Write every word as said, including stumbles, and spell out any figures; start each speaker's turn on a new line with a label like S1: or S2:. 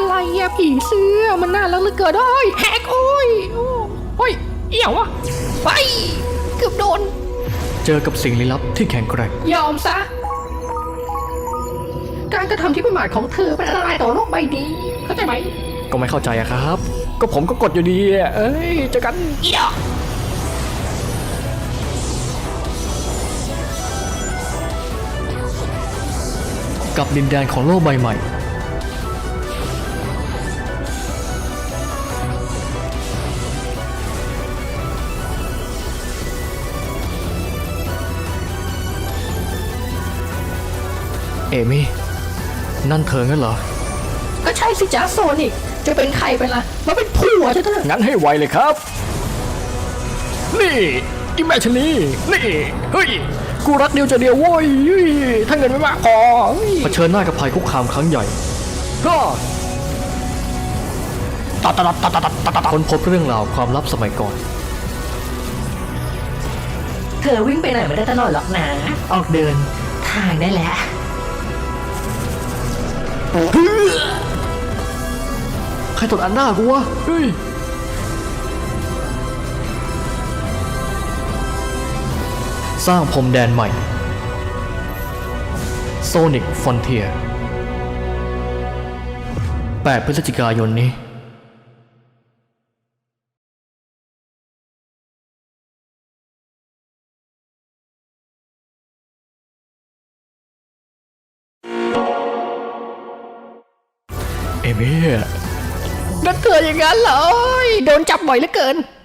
S1: อะไรอะผีเสื้อมันน่ารักเหลือเกินโอ้ยแฮกโอ้ยโอ้ยเอี่ยวอะไปเกือบโดน
S2: เจอกับสิ่งลี้ลับที่แข็งแกร่ง
S1: ยอมซะการกระทำที่ประมาทของเธอเป็นอันตรายต่อโลกใบนี้เข้าใจไหม
S2: ก็ไม่เข้าใจอะครับก็ผมก็กดอยู่ดีอะเอ้ยเจอกัน
S1: เอี่ยว
S2: กับดินแดนของโลกใบใหม่เอมี่นั่นเธองั้นเหรอ
S1: ก็ใช่สิจ้าโซนิกจะเป็นใครไปล่ะมาเป็นผัวจะเถอะ
S2: งั้นให้ไวเลยครับนี่อีแม่ชนีนี่เฮ้ยกูรักเดียวจะเดียวโว้ยถ้าเงินไม่มากพอเผชิญหน้ากับภัยคุกคามครั้งใหญ่ก็ตัดตัดตัดตัดตัดตัดค้นพบเรื่องราวความลับสมัยก่อน
S1: เธอวิ่งไปไหนไม่ได้ตลอดหรอกนะออกเดินทางได้แล้ว
S2: ใครตดอันหน้ากูวะเฮ้ยสร้างพรมแดนใหม่ Sonic Frontier แปดพฤศจิกายนนี้เอมี่
S1: นั่นเธออย่างนั้นเหรอโดนจับบ่อยเหลือเกิน